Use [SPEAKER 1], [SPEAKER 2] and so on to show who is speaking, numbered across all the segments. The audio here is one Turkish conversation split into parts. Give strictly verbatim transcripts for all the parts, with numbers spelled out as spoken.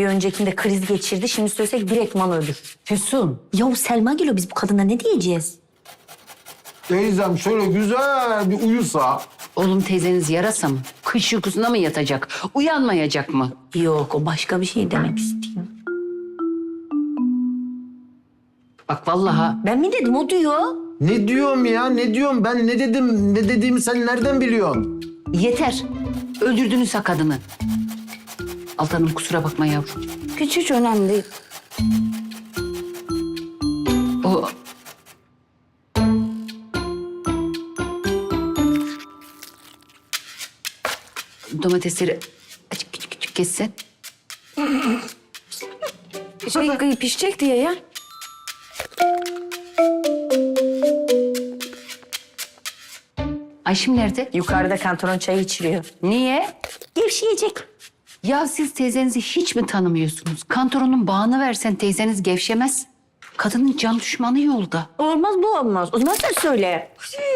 [SPEAKER 1] Bir öncekinde kriz geçirdi. Şimdi söylesek direktman ölür.
[SPEAKER 2] Füsun.
[SPEAKER 1] Yahu Selma geliyor. Biz bu kadına ne diyeceğiz?
[SPEAKER 3] Teyzem şöyle güzel bir uyusa.
[SPEAKER 2] Oğlum teyzeniz yarasa mı? Kış uykusuna mı yatacak? Uyanmayacak mı?
[SPEAKER 1] Yok, o başka bir şey demek istiyor.
[SPEAKER 2] Bak vallahi
[SPEAKER 1] Ben mi dedim, o diyor.
[SPEAKER 3] Ne diyorum ya, ne diyorum? Ben ne dedim, ne dediğimi sen nereden biliyorsun?
[SPEAKER 2] yeter. Öldürdünüz ha kadını. Altanım kusura bakma yavrum.
[SPEAKER 1] Hiç hiç önemli değil.
[SPEAKER 2] O domatesleri açık küçük küçük kessen.
[SPEAKER 1] Şey, pişecek diye ya.
[SPEAKER 2] Ayşim nerede?
[SPEAKER 1] Yukarıda kantoron çayı içiriyor.
[SPEAKER 2] Niye?
[SPEAKER 1] Gevşeyecek.
[SPEAKER 2] Ya siz teyzenizi hiç mi tanımıyorsunuz? Kantoronun bağını versen teyzeniz gevşemez. Kadının can düşmanı yolda.
[SPEAKER 1] Olmaz, bu olmaz. O zaman sen söyle.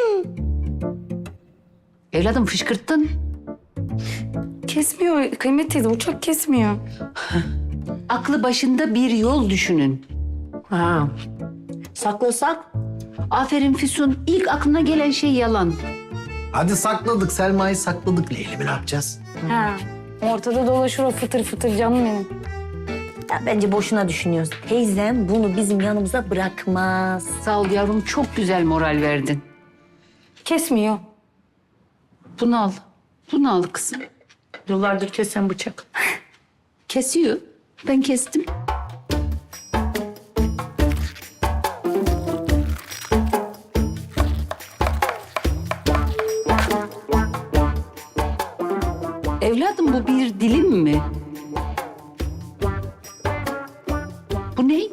[SPEAKER 2] Evladım fışkırttın.
[SPEAKER 4] Kesmiyor Kıymet teyze, uçak kesmiyor.
[SPEAKER 2] Aklı başında bir yol düşünün.
[SPEAKER 1] Ha. Saklasak?
[SPEAKER 2] Aferin Füsun. İlk aklına gelen şey yalan.
[SPEAKER 3] Hadi sakladık, Selma'yı sakladık. Leylim'i ne yapacağız?
[SPEAKER 4] Ha. Ortada dolaşır o fıtır fıtır canım benim.
[SPEAKER 1] Ya bence boşuna düşünüyoruz. Teyzem bunu bizim yanımıza bırakmaz.
[SPEAKER 2] Sağ ol yavrum. Çok güzel moral verdin.
[SPEAKER 4] Kesmiyor.
[SPEAKER 2] Bunu al. Bunu al kızım.
[SPEAKER 1] Yıllardır kesen bıçak.
[SPEAKER 2] Kesiyor. Ben kestim. Evladım bu bir dilim mi? Bu ne?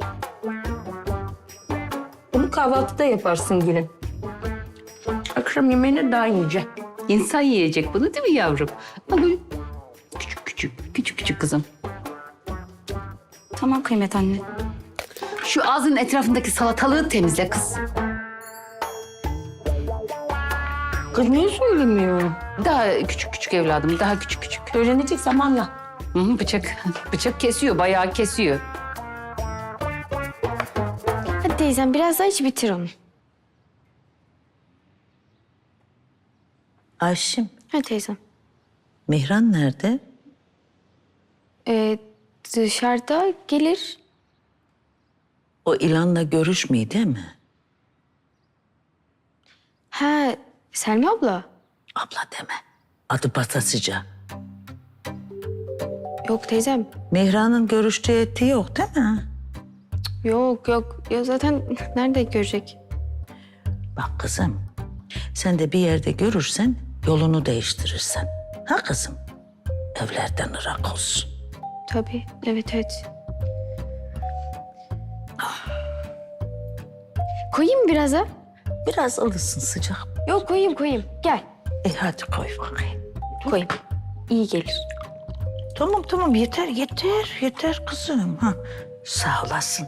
[SPEAKER 1] Bunu kahvaltıda yaparsın gelin. Akşam yemeğine daha ince.
[SPEAKER 2] İnsan yiyecek bunu değil mi yavrum? Ama bu küçük küçük, küçük küçük kızım.
[SPEAKER 4] Tamam Kıymet anne.
[SPEAKER 2] Şu ağzının etrafındaki salatalığı temizle kız.
[SPEAKER 1] Kız niye söylemiyor?
[SPEAKER 2] Daha küçük küçük evladım, daha küçük küçük.
[SPEAKER 1] Öğrenecek zamanla.
[SPEAKER 2] Hı hı, bıçak, bıçak kesiyor, bayağı kesiyor.
[SPEAKER 4] Hadi teyzem biraz daha iç bitir onu.
[SPEAKER 5] Ayşim,
[SPEAKER 4] Hadi teyzem.
[SPEAKER 5] Mihran nerede?
[SPEAKER 4] Ee, dışarıda gelir.
[SPEAKER 5] O ilanla görüşmüyor değil mi?
[SPEAKER 4] Ha, Selma abla.
[SPEAKER 5] Abla deme. Adı Batasıca.
[SPEAKER 4] Yok teyzem.
[SPEAKER 5] Mihran'ın görüştüğü ettiği yok değil mi?
[SPEAKER 4] Yok yok. Ya zaten nerede görecek?
[SPEAKER 5] Bak kızım, sen de bir yerde görürsen yolunu değiştirirsen. Ha kızım? Evlerden ırak olsun.
[SPEAKER 4] Tabii. Evet evet. Koyayım mı biraz ha?
[SPEAKER 5] Biraz alışsın sıcak.
[SPEAKER 4] Yok koyayım koyayım. Gel.
[SPEAKER 5] E hadi koy bakayım.
[SPEAKER 4] Koyayım. İyi gelir.
[SPEAKER 5] Tamam tamam yeter yeter yeter kızım. Ha, sağ olasın.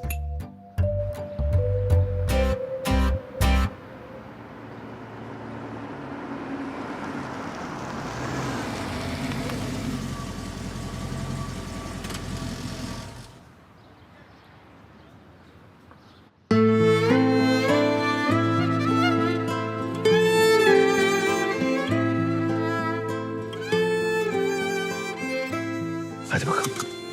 [SPEAKER 3] Hadi bakalım.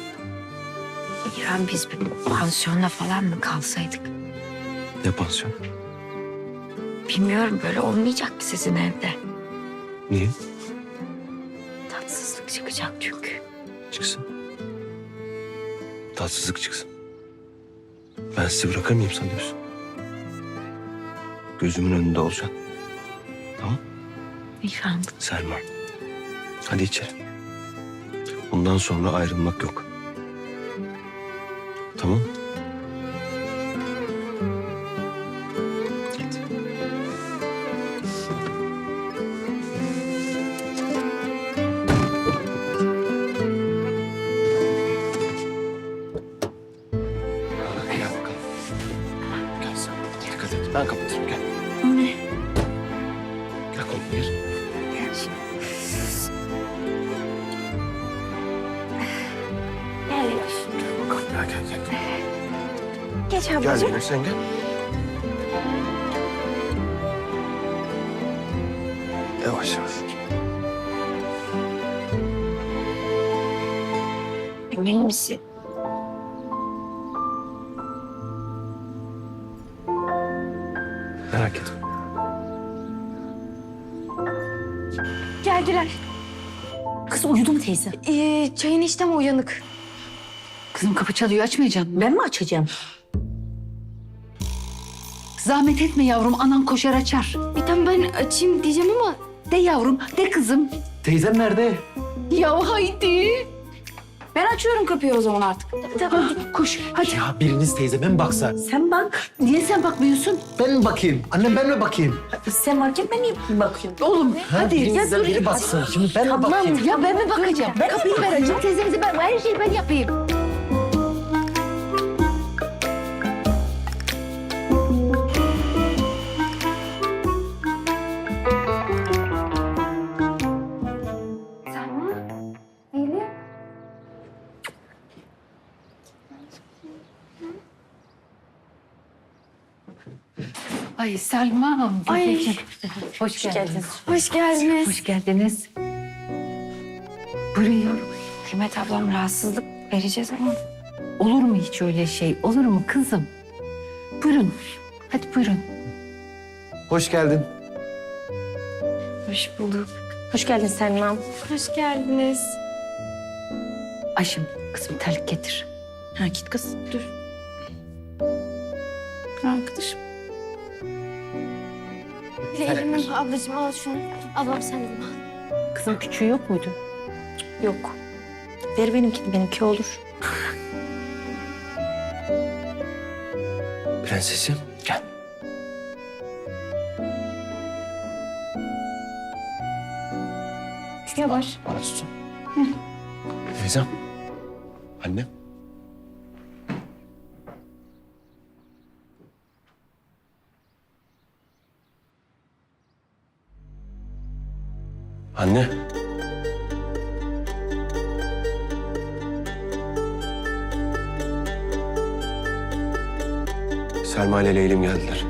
[SPEAKER 6] İrem biz bir pansiyonla falan mı kalsaydık?
[SPEAKER 3] Ne pansiyon?
[SPEAKER 6] Bilmiyorum böyle olmayacak mı sizin evde?
[SPEAKER 3] Niye?
[SPEAKER 6] Tatsızlık çıkacak çünkü.
[SPEAKER 3] Çıksın. Tatsızlık çıksın. Ben sizi bırakır mıyım sanıyorsun? Gözümün önünde olacaksın. Tamam?
[SPEAKER 6] İrem
[SPEAKER 3] Selma. Hadi içeri. Bundan sonra ayrılmak yok. Tamam? Hadi. Gel bakalım. Gel sen. Dikkat et. Ben kapatırım. Gel.
[SPEAKER 6] ne?
[SPEAKER 3] Gel kolunu gir.
[SPEAKER 6] Gel. Gel.
[SPEAKER 4] Geç
[SPEAKER 3] Gel
[SPEAKER 4] ablacığım.
[SPEAKER 3] yine sen gel. Yavaş yavaş.
[SPEAKER 6] Emin misin?
[SPEAKER 3] Merak etme.
[SPEAKER 4] Geldiler.
[SPEAKER 1] Kız uyudu mu teyze?
[SPEAKER 4] Ee, çayın işte mi uyanık?
[SPEAKER 2] Kızım kapı çalıyor, açmayacak mı?
[SPEAKER 1] Ben mi açacağım?
[SPEAKER 2] Zahmet etme yavrum, anan koşar açar.
[SPEAKER 4] Bir tane ben açayım diyeceğim ama
[SPEAKER 2] De yavrum, de kızım.
[SPEAKER 3] Teyzem nerede?
[SPEAKER 2] Ya haydi.
[SPEAKER 4] ben açıyorum kapıyı o zaman artık.
[SPEAKER 2] Tamam, koş hadi.
[SPEAKER 3] Ya biriniz teyzeme mi baksa?
[SPEAKER 1] Sen bak.
[SPEAKER 2] Niye sen bakmıyorsun?
[SPEAKER 3] Ben mi bakayım? Annem ben mi bakayım?
[SPEAKER 1] Sen varken ben niye bakıyorum?
[SPEAKER 2] Oğlum
[SPEAKER 3] Ha,
[SPEAKER 2] hadi.
[SPEAKER 3] birinizden
[SPEAKER 2] dur.
[SPEAKER 3] biri baksın. Şimdi ben mi bakayım?
[SPEAKER 2] Ya ben mi bakacağım?
[SPEAKER 1] Ben
[SPEAKER 2] Kapıyı ben açayım, teyzemizi ben, her şeyi ben yapayım. Ay Selma.
[SPEAKER 4] Ay.
[SPEAKER 2] Hoş geldiniz.
[SPEAKER 4] Hoş geldiniz.
[SPEAKER 2] Hoş geldiniz. Buyurun yavrum.
[SPEAKER 6] Kıymet ablam rahatsızlık vereceğiz ama.
[SPEAKER 2] Olur mu hiç öyle şey? Olur mu kızım? Buyurun. Hadi buyurun.
[SPEAKER 3] Hoş geldin.
[SPEAKER 6] Hoş bulduk.
[SPEAKER 1] Hoş geldin Selma.
[SPEAKER 4] Hoş geldiniz.
[SPEAKER 2] Ayşem kızım terlik getir.
[SPEAKER 1] Ha git kız. Dur.
[SPEAKER 2] Arkadaşım.
[SPEAKER 4] Leylim ablacığım al şunu. Ablam sen de bunu al.
[SPEAKER 2] Kızım küçüğü yok muydu?
[SPEAKER 1] Yok. Ver benimkini. Benimki olur.
[SPEAKER 3] Prensesim gel.
[SPEAKER 2] Yavaş.
[SPEAKER 3] Bana tutun. Teyzem. Annem. Anne. Selma ile Leylim geldiler.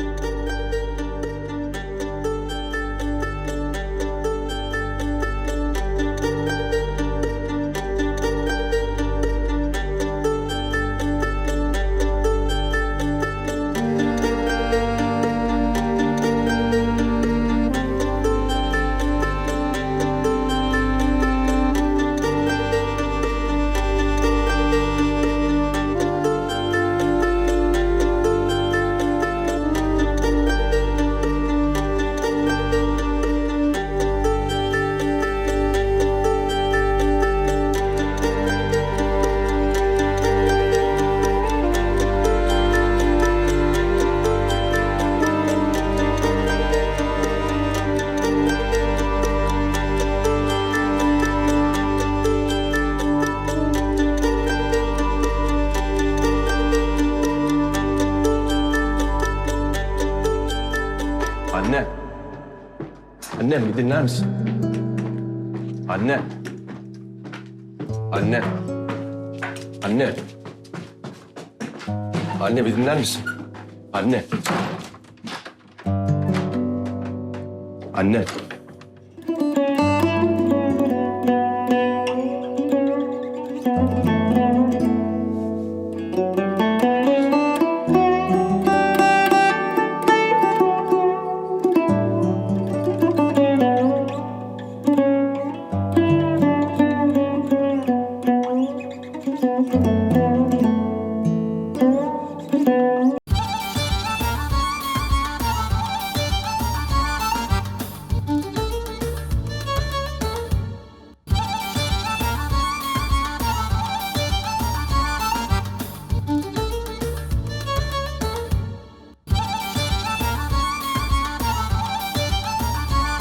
[SPEAKER 3] Anne. Annem bir dinler misin? Anne. Anne. Anne. Anne bir dinler misin? Anne. Anne.